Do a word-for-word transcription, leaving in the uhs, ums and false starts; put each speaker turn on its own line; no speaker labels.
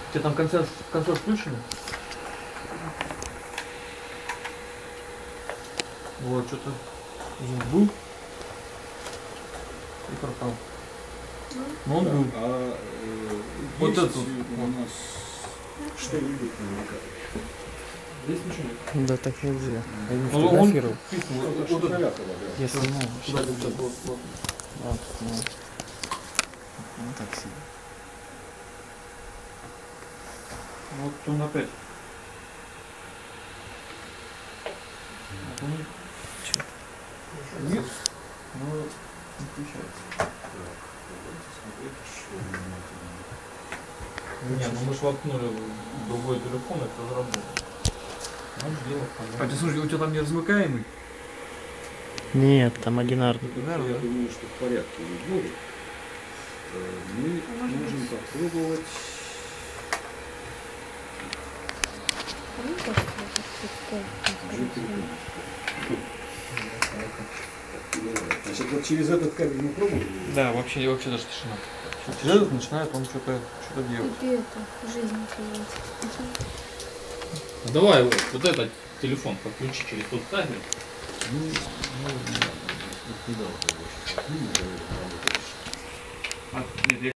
У тебя там консоль, консоль включена? Вот, что-то звук был и пропал. Но он
Да,
был.
А э,
Вот
есть
это вот.
у нас что-нибудь намекает?
Здесь ничего нет.
Да так нельзя. Я не
Ну, он
фотографировал.
вписан, вот,
Что-то
вот это.
Шоколятова, да.
Я снимаю.
Куда ты сейчас вот, вот.
Вот, вот. Вот так себе.
Вот он опять. Вот он.
Чё?
Нет? Ну, не включается. Нет, ну мы ж воткнули в другой телефон, это заработало. Ну, дело понятно. А ты слушай, у тебя там не размыкаемый?
Нет, там одинарный.
Я думаю, что в порядке не будет. Э, Мы можем попробовать. Значит, вот через этот кабель мы пробуем?
Да, вообще, вообще даже тишина. Через этот начинает он что-то что делать.
И это, жизнь называется.
Ну, давай вот, вот этот телефон подключи через тот кабель.
Ну, ну, не дал, конечно.
А, нет, я